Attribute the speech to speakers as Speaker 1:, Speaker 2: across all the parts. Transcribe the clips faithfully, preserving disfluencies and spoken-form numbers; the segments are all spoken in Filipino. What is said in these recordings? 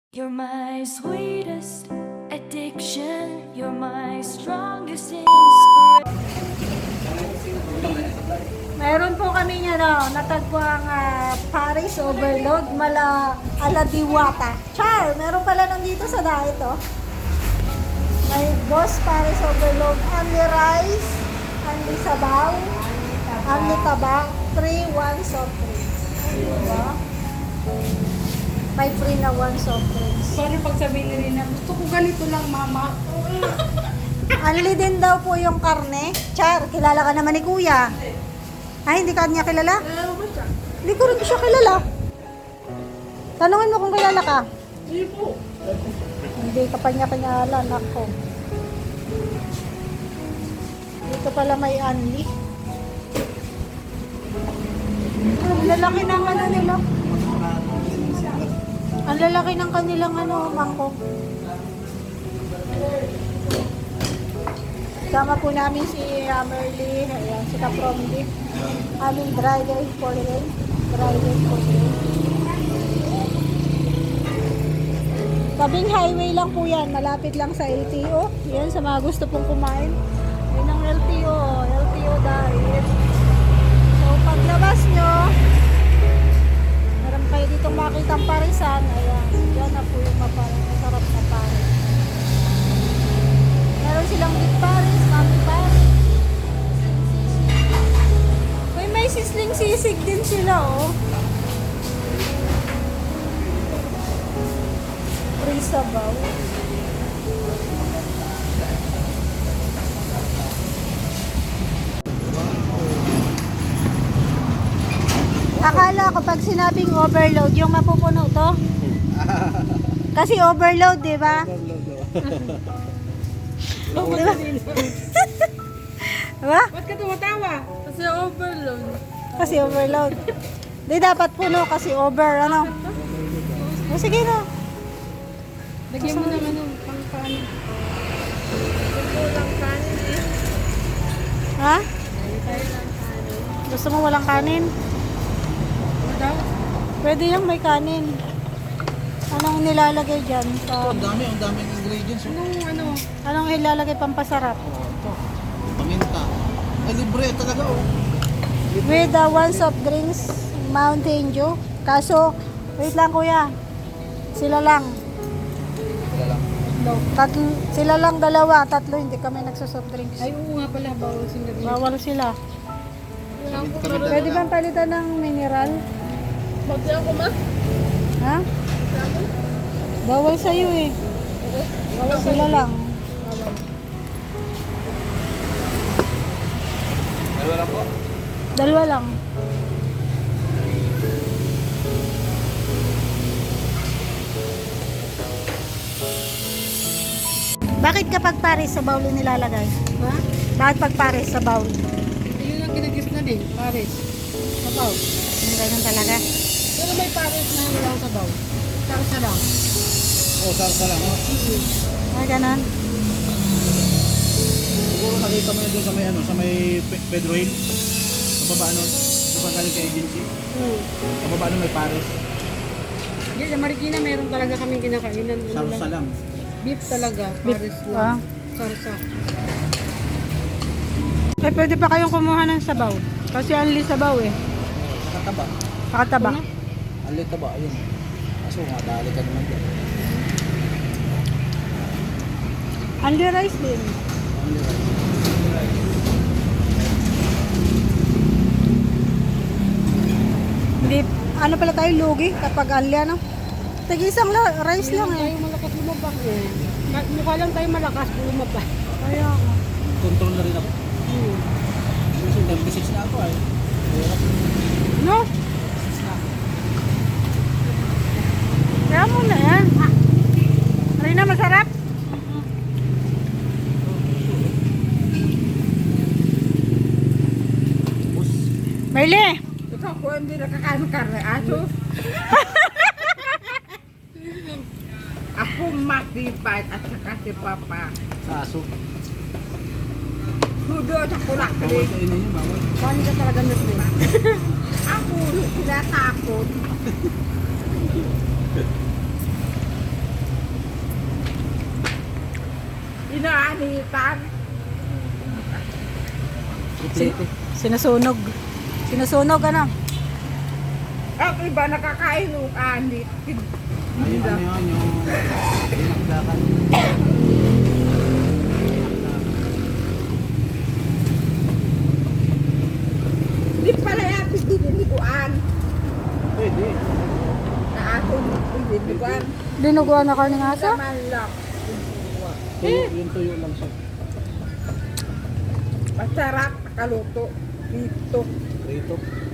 Speaker 1: You're my sweetest addiction. You're my strongest inspiration.
Speaker 2: Mayroon po kami ano, natagpuang uh, Paris Overload mala ala Diwata. Char, meron pala nandito sa daet oh. May Boss Paris Overload, only rice, only sabaw, only tabang, three one soft drinks. Diba? May free na one soft drinks.
Speaker 3: Paano pag sabihin ni Rina, gusto ko ganito lang, mama.
Speaker 2: Only din daw po yung karne. Char, kilala ka naman ni Kuya. Ay, hindi ka niya kilala?
Speaker 3: Ano ba siya?
Speaker 2: Hindi ko rin siya kilala. Tanungin mo kung kilala ka.
Speaker 3: Hindi po.
Speaker 2: Hindi ka pa niya kilala, nako. Dito pala may Anli. Ang lalaki ng ano nila. Ang lalaki ng kanilang ano, mangkok. Sama po namin si uh, Merly, ayan, si Kapromdi. Aming driver for the day. Driver for the day. Tabing highway lang po yan. Malapit lang sa L T O. Yan, sa mga gusto pong kumain. Yan ang L T O. L T O diet. So, paglabas nyo, meron kayo ditong makitang parisan. Ayan, yan na po yung maparang masarap na paris. Meron silang beef paris, mami paris. Uy, may sisling sisig din sila, oh. Free sabaw. Akala ko pag sinabing overload, yung mapupuno to. Kasi overload, di ba? Diba? Diba?
Speaker 3: Ba't ka tumatawa? Kasi overload.
Speaker 2: Kasi overload. Di dapat puno kasi over, ano? O sige na.
Speaker 3: Lagyan mo naman ng pang-kanin. Gusto lang kanin eh.
Speaker 2: Ha?
Speaker 3: Tayo lang kanin.
Speaker 2: Gusto mo walang kanin?
Speaker 3: Ano daw?
Speaker 2: Pwede yung may kanin. Anong nilalagay dyan? Sa,
Speaker 4: Ang dami, ang daming ingredients. Oh.
Speaker 3: Anong ano?
Speaker 2: anong ilalagay pampasarap?
Speaker 4: Ito, paminta. Ay, libre talaga oh.
Speaker 2: With the one soft drinks, Mountain Dew. Kaso, wait lang kuya. Sila lang.
Speaker 4: Wala lang.
Speaker 2: Tatlo, sila lang dalawa, tatlo hindi kami nagsosoft drinks.
Speaker 3: Ay, oo nga pala. Bawal sila rin.
Speaker 2: Bawal sila.
Speaker 3: Wala ko
Speaker 4: Kami dalawa.
Speaker 2: Pwede bang palitan ng mineral?
Speaker 3: Bakit ako ma?
Speaker 2: Ha? Bawal sa'yo eh. Bawal sila lang.
Speaker 4: Dalawa lang po.
Speaker 2: Dalawa lang. Bakit kapag pares sa bowl yung nilalagay?
Speaker 3: Ha?
Speaker 2: Bakit pag pares sa bowl?
Speaker 3: Ayun ang ginagis na din. Pares. Sabaw.
Speaker 2: Yung ganun talaga.
Speaker 3: Pero may pares na walang sabaw. Sarsa lang.
Speaker 4: Oh, sarsa lang. Oh.
Speaker 2: Ah, ganun.
Speaker 4: Siguro nakita mo yun doon sa may ano, sa may Pe- Pedro Hill. Sa baba nun. Sa baba galing kay agency.
Speaker 3: Oo.
Speaker 4: Sa baba nun may Paris.
Speaker 3: Yan, sa Marikina meron talaga kaming kinakainan. Ano
Speaker 4: Sarsa
Speaker 3: lang.
Speaker 4: lang.
Speaker 3: Beef talaga. Pares
Speaker 2: Ah.
Speaker 3: lang. Sarsa.
Speaker 2: Eh, pwede pa kayong kumuha ng sabaw. Kasi only sabaw eh.
Speaker 4: Nakataba.
Speaker 2: Pakataba.
Speaker 4: Alita ba? Ayun. Kaso nga, dali ka naman dyan.
Speaker 2: Only rice din.
Speaker 4: Only rice.
Speaker 2: Hindi, ano pala tayo, lugi kapag only ano. Tag-isang la- rice lang
Speaker 3: Tayo
Speaker 2: eh.
Speaker 3: malakas lumabak eh. Ma- Mukha lang tayo malakas lumabak.
Speaker 2: Kaya,
Speaker 4: Control na rin ako.
Speaker 3: Hmm.
Speaker 4: Kasi thirty-six na ako ay. Hirap.
Speaker 2: no? Kaya mo na yan. Rina, masarap?
Speaker 4: Bus.
Speaker 2: Merle!
Speaker 3: Ikaw ko hindi nakakain ng karne. Aso. Ako makipad at saka si Papa.
Speaker 4: Sa aso.
Speaker 3: Hudo at kulak.
Speaker 4: Bawal kainin yun, bawal.
Speaker 3: Paano ka talaga nagpila? Ako, sila takot.
Speaker 5: kaanitan.
Speaker 4: Kuplete.
Speaker 2: Sinusunog. Sinusunog, ano?
Speaker 5: At iba nakakain ng anit.
Speaker 4: Ayun, ano yun, yung pinaglakan.
Speaker 5: Di pala yan, diniliguan.
Speaker 4: Pwede.
Speaker 5: Na ako, diniliguan.
Speaker 2: Dinuguan na karning aso?
Speaker 5: Sa manlap.
Speaker 4: Tuyo, yung tuyo lang siya.
Speaker 5: Masarap, nakaluto. Dito.
Speaker 4: Rito.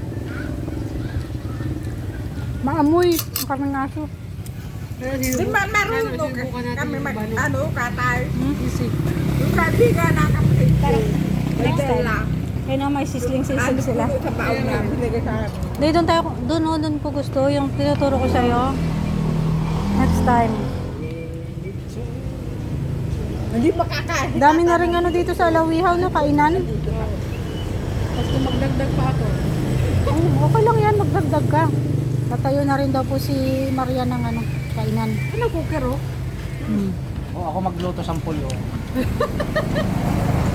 Speaker 2: Maamoy ang karning aso.
Speaker 5: Di ba marunong kami mag, ano, katay.
Speaker 2: Hmm?
Speaker 5: Yung kaibigan na kami.
Speaker 2: Next time.
Speaker 5: Dala.
Speaker 2: Kaya na may sisling-sisling sila.
Speaker 5: Sa baon namin, nagkasarap.
Speaker 2: Hindi, doon tayo, doon, oh, doon ko gusto. Yung tinuturo ko sa'yo. Next time.
Speaker 5: Hindi makakain.
Speaker 2: Dami na rin ano dito sa Alawihaw na kainan.
Speaker 3: Tapos kung magdagdag pa ako.
Speaker 2: Oh, okay lang yan, magdagdag ka. Tatayo na rin daw po si Maria ng ano, kainan.
Speaker 5: Ano cooker, oh?
Speaker 2: Hmm.
Speaker 4: O, ako magluto sa pulyo.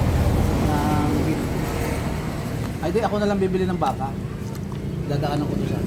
Speaker 4: Ng beef. Ay, di, ako na lang bibili ng baka. Dadaanan ko to sa